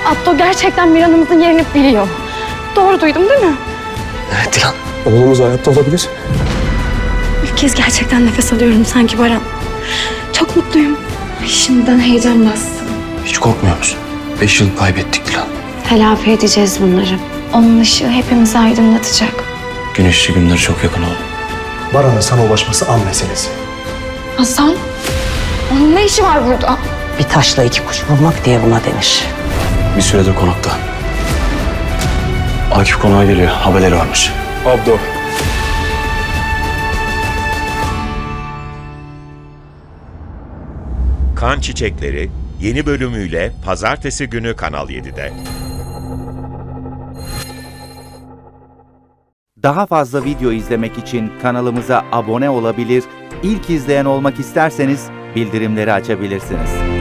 Atto gerçekten Miran'ımızın yerini biliyor. Doğru duydum değil mi? Evet Dilan. Oğlumuz hayatta olabilir. İlk kez gerçekten nefes alıyorum sanki Baran. Çok mutluyum. Ay, şimdiden heyecan bastı. Hiç korkmuyor musun? 5 yıl kaybettik Dilan. Telafi edeceğiz bunları. Onun ışığı hepimizi aydınlatacak. Güneşli günler çok yakın oğlum. Baran'ın sana ulaşması an meselesi. Hasan, onun ne işi var burada? Bir taşla iki kuş vurmak diye buna denir. Bir süredir konakta. Akif konağa geliyor. Haberleri varmış. Abdo. Kan Çiçekleri yeni bölümüyle Pazartesi günü Kanal 7'de. Daha fazla video izlemek için kanalımıza abone olabilir, ilk izleyen olmak isterseniz bildirimleri açabilirsiniz.